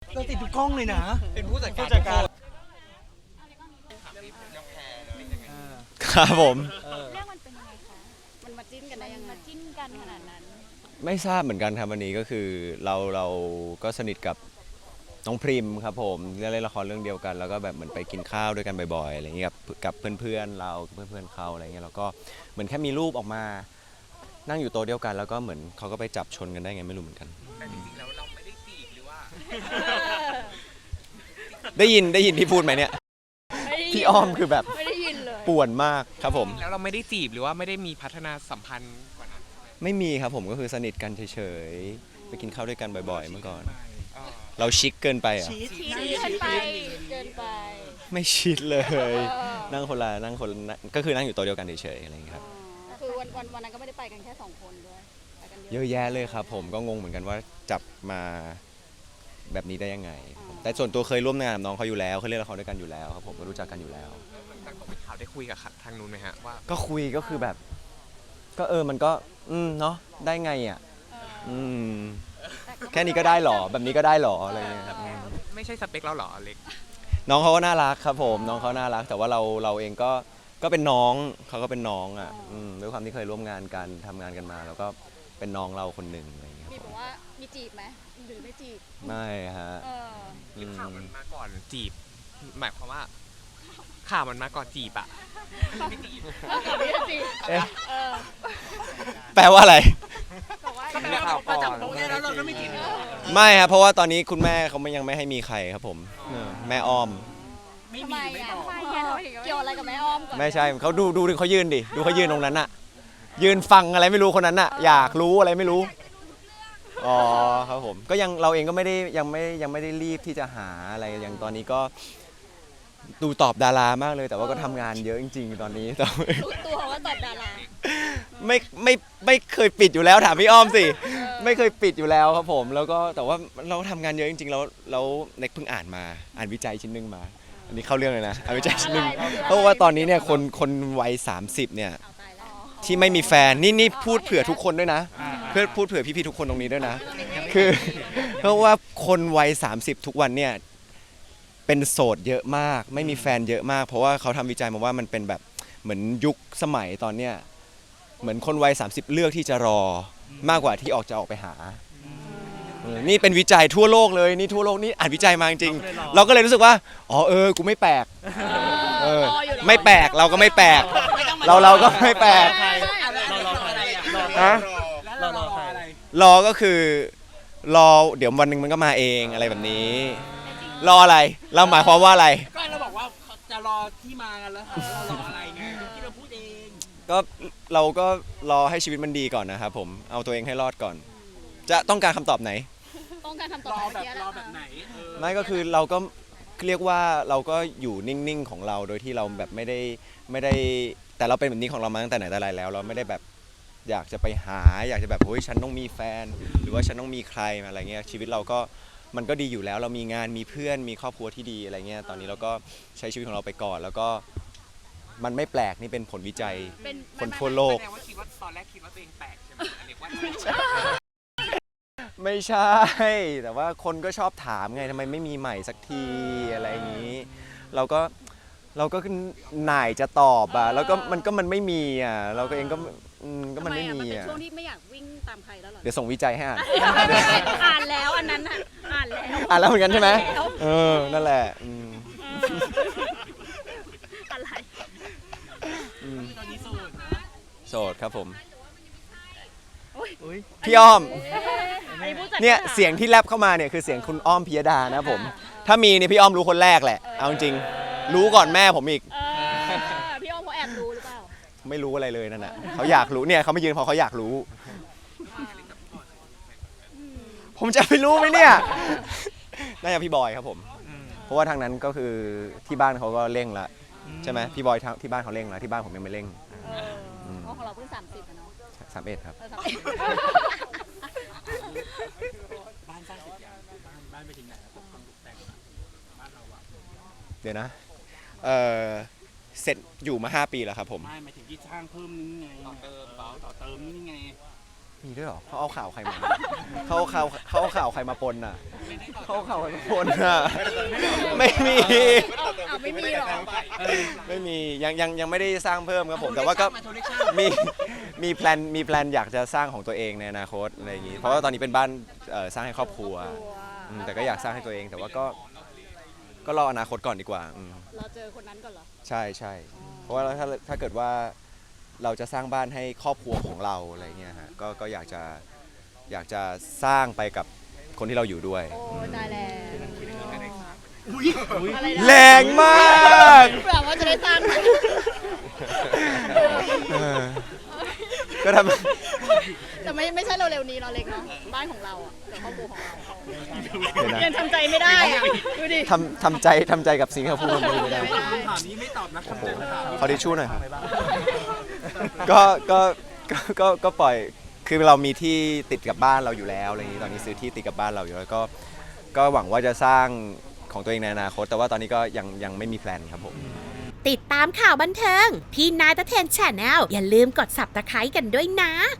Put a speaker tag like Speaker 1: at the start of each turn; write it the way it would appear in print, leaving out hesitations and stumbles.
Speaker 1: เราติดทุกกล้องเลยนะ
Speaker 2: เป็นผู้จัดการ
Speaker 3: ครับผม
Speaker 4: เรื่องมันเป็นยังไงคะมันมาจิ้นกันได้ยังไงมาจิ้นกันขนาดนั้น
Speaker 3: ไม่ทราบเหมือนกันครับวันนี้ก็คือเราก็สนิทกับน้องพริมครับผมเล่นละครเรื่องเดียวกันแล้วก็แบบเหมือนไปกินข้าวด้วยกันบ่อยๆอะไรอย่างเงี้ยกับเพื่อนๆเราเพื่อนๆเขาอะไรเงี้ยแล้วก็เหมือนแค่มีรูปออกมานั่งอยู่โต๊ะเดียวกันแล้วก็เหมือนเขาก็ไปจับชนกันได้ไงไม่รู้เหมือนกัน
Speaker 2: แต่จริงๆแล้วเราไม่ได้จีบหรือว่า
Speaker 3: ได้ยินที่พูดไหมเนี่ยพี่อ้อมคือแบบ
Speaker 4: ไม่ได้ยินเลย
Speaker 3: ป่วนมากครับผม
Speaker 2: แล้วเราไม่ได้จีบหรือว่าไม่ได้มีพัฒนาสัมพันธ์กว่านั้น
Speaker 3: ไม่มีครับผมก็คือสนิทกันเฉยๆไปกินข้าวด้วยกันบ่อยๆเมื่อก่อนเราชิคเกินไปอ่ะ
Speaker 4: เกินไปเกินไป
Speaker 3: ไม่ชิดเลยนั่งคนละก็คือนั่งอยู่โต๊ะเดียวกันเฉยๆอะไรอย่างเงี้ยครับ
Speaker 4: คือวันนั้นก็ไม่ได้ไปกันแค่2 คนด้วยไปกัน
Speaker 3: เยอะแยะเลยครับผมก็งงเหมือนกันว่าจับมาแบบนี้ได้ยังไงแต่ส่วนตัวเคยร่วมงานกับน้องเขาอยู่แล้วเคยเล่นละครด้วยกันอยู่แล้วครับผมก็รู้จักกันอยู่แล้ว
Speaker 2: ตั้งแต่ข่าวได้คุยกับทางนู้นไหมฮะว่า
Speaker 3: ก็คุยก็คือแบบก็มันก็เนาะได้ไงอ่ะแค่นี้ก็ได้หรอแบบนี้ก็ได้หรออะไรเงี้ยครับ
Speaker 2: ไม่ใช่สเปคเราหรอเล็ก
Speaker 3: น้องเขาก็น่ารักครับผมน้องเขาน่ารักแต่ว่าเราเองก็เป็นน้องเขาก็เป็นน้องอ่ะด้วยความที่เคยร่วมงานกันทำงานกันมาแล้วก็เป็นน้องเราคนหนึ่งอะไรเงี้ย
Speaker 4: มีบอกว่ามีจีบไหมหรือไม่จีบ
Speaker 3: ไม่ฮะ
Speaker 2: หรือข่าวมันมาก่อนจีบหมายความว่าข่าวมันมาก่อนจีบอะไม่จีบ
Speaker 3: แปลว่าอะไร
Speaker 1: ก็แปลว่าพอจับโป๊ะเนี่ยแล้วเราก็ไม่จีบ
Speaker 3: ไม่ครับเพราะว่าตอนนี้คุณแม่เขายังไม่ให้มีใครครับผมแม่อ้อม
Speaker 4: ไม่มีไม่บอกเกี่ยวอะไรกับแม่อ้อมก่อน
Speaker 3: ไม่ใช่เขาดูเขายืนดิดูเขายืนตรงนั้นอะยืนฟังอะไรไม่รู้คนนั้นอะอยากรู้อะไรไม่รู้อ๋อครับผมก็ยังเราเองก็ไม่ได้ยังไม่ได้รีบที่จะหาอะไรอย่างตอนนี้ก็ดูตอบดารามากเลยแต่ว่าก็ทำงานเยอะจริงๆตอนนี้
Speaker 4: รู้ตัวว่าตอบดารา
Speaker 3: ไม่เคยปิดอยู่แล้วถามพี่อ้อมสิไม่เคยปิดอยู่แล้วครับผมแล้วก็แต่ว่าเราทำงานเยอะจริงๆแล้วเน็กเพิ่งอ่านวิจัยชิ้นนึงมาอันนี้เข้าเรื่องเลยนะอ่านวิจัยชิ้นนึงเพราะว่าตอนนี้เนี่ยคนวัย30เนี่ยที่ไม่มีแฟนนี่พูดเผื่อทุกคนด้วยนะเพื่อพูดเผื่อพี่ๆทุกคนตรงนี้ด้วยนะคือเพราะว่าคนวัย30ทุกวันเนี่ยเป็นโสดเยอะมากไม่มีแฟนเยอะมากเพราะว่าเขาทำวิจัยมาว่ามันเป็นแบบเหมือนยุคสมัยตอนเนี้ยเหมือนคนวัย30เลือกที่จะรอมากกว่าที่จะออกไปหานี่เป็นวิจัยทั่วโลกเลยนี่ทั่วโลกนี่อ่านวิจัยมาจริงๆเราก็เลยรู้สึกว่าอ๋อกูไม่แปลกไม่แปลกเราก็ไม่แปลกเราก็ไม่แปลกฮะรอก็คือรอเดี๋ยววันหนึ่งมันก็มาเองอะไรแบบนี้รออะไรเราหมายความว่าอะไร
Speaker 1: ก็เราบอกว่าจะรอที่มากันแล้วเรารออะไรไงที่เราพูดเอง
Speaker 3: ก็เราก็รอให้ชีวิตมันดีก่อนนะครับผมเอาตัวเองให้รอดก่อนจะต้องการคำตอบไหน
Speaker 4: ต้องการคำตอบ
Speaker 1: รอแบบไหน
Speaker 3: ไม่ก็คือเราก็เรียกว่าเราก็อยู่นิ่งๆของเราโดยที่เราแบบไม่ได้แต่เราเป็นแบบนี้ของเรามาตั้งแต่ไหนแต่ไรแล้วเราไม่ได้แบบอยากจะไปหาอยากจะแบบเฮ้ยฉันต้องมีแฟนหรือว่าฉันต้องมีใครอะไรเงี้ยชีวิตเราก็มันก็ดีอยู่แล้วเรามีงานมีเพื่อนมีครอบครัวที่ดีอะไรเงี้ยตอนนี้เราก็ใช้ชีวิตของเราไปก่อนแล้วก็มันไม่แปลกนี่เป็นผลวิจัยคนทั่วโลก
Speaker 2: ตอนแรกคิดว่าตัวเองแปลกใช่ไหมเรียกว่า
Speaker 3: ไม่ใช่แต่ว่าคนก็ชอบถามไงทำไมไม่มีใหม่สักทีอะไรอย่างนี้เราก็หน่ายจะตอบอ่ะแล้วก็มันไม่มีอ่ะเราก็เองก็มันไม่มี
Speaker 4: อ่ะมันเป็นช่วงที่ไม่อยากวิ่งตามใครแล้วหรอ
Speaker 3: เดี๋ยวส่งวิจัยให้
Speaker 4: อ่านแล้วอันนั้นอ่าน
Speaker 3: แล้วเหมือนกันใช่ไหมนั่นแหละ
Speaker 4: อะไร
Speaker 1: ตอนนี้
Speaker 3: โสดครับผมพี่อ้อมเนี่ยเสียงที่แลบเข้ามาเนี่ยคือเสียงคุณอ้อมพิยดานะผมถ้ามีเนี่ยพี่อ้อมรู้คนแรกแหละเอาจริงรู้ก่อนแม่ผมอีก
Speaker 4: พี่อ้อมเขาแอบรู้หรือเปล่า
Speaker 3: ไม่รู้อะไรเลยนั่นน่ะเขาอยากรู้เนี่ยเขาไม่ยืนเพราะเขาอยากรู้ผมจะไปรู้ไหมเนี่ยน่าจะพี่บอยครับผมเพราะว่าทางนั้นก็คือที่บ้านเขาก็เร่งละใช่ไหมพี่บอยที่บ้านเขาเร่งแล้วที่บ้านผมยังไม่เร่ง
Speaker 4: ของเราเพิ่ง30อ่ะเนาะ
Speaker 3: 31ครับ
Speaker 1: บ้านสร้างเสร็จยังบ้านไปถึงไหนแล้วความตกแต่งบ้านเราอะ
Speaker 3: เดี๋ยวนะเสร็จอยู่มา5 ปีแล้วครับผม
Speaker 1: ไม่หมายถึงที่สร้างเพิ่มนี่ไงต่อเติมนี่ไง
Speaker 3: มีด้วยเหรอเขาเอาข่าวใครมาเขาเอาข่าวใครมาปนอ่ะเขาเอาข่าวใครมาปนอ่ะไม่มี
Speaker 4: เอาไม่มีหรอ
Speaker 3: ไม่มียังไม่ได้สร้างเพิ่มครับผมแต่ว่าก็มีแพลนอยากจะสร้างของตัวเองในอนาคตอะไรอย่างงี้เพราะว่าตอนนี้เป็นบ้านสร้างให้ครอบครัวแต่ก็อยากสร้างให้ตัวเองแต่ว่าก็รออนาคตก่อนดีกว่า
Speaker 4: เราเจอคนนั้นก่อนเหรอ
Speaker 3: ใช่เพราะว่าถ้าเกิดว่าเราจะสร้างบ้านให้ครอบครัวของเราอะไรเงี้ยฮะก็อยากจะสร้างไปกับคนที่เราอยู่ด้วย
Speaker 4: โอ้ได้แล้ว
Speaker 1: อุ้ย
Speaker 4: อะไรนะ
Speaker 3: แรงมาก
Speaker 4: เผื่อว่าจะได้สร้างไหม
Speaker 3: ก็ทำ
Speaker 4: แต่ไม่ใช่เราเร็วนี้เราเล็กเนาะบ้านของเราอ่ะแต่ครอบครัวของเรา
Speaker 3: เดี๋ยวนะ
Speaker 4: ยังทำใจไม่ได้อ่ะดูดิ
Speaker 3: ทำใจกับสิ่งที่เขาพูดไม่ได้
Speaker 4: ไม่ได้
Speaker 1: คำถามนี้ไม่ตอบนะคำเจอคำถาม
Speaker 3: ขอทิชชู่หน่อยครับก็ปล่อยคือเรามีที่ติดกับบ้านเราอยู่แล้วอะไรอย่างนี้ตอนนี้ซื้อที่ติดกับบ้านเราอยู่แล้วก็หวังว่าจะสร้างของตัวเองในอนาคตแต่ว่าตอนนี้ก็ยังไม่มีแพลนครับผม
Speaker 5: ติดตามข่าวบันเทิง พี่นายตะเทนแชนแนลอย่าลืมกด Subscribe กันด้วยนะ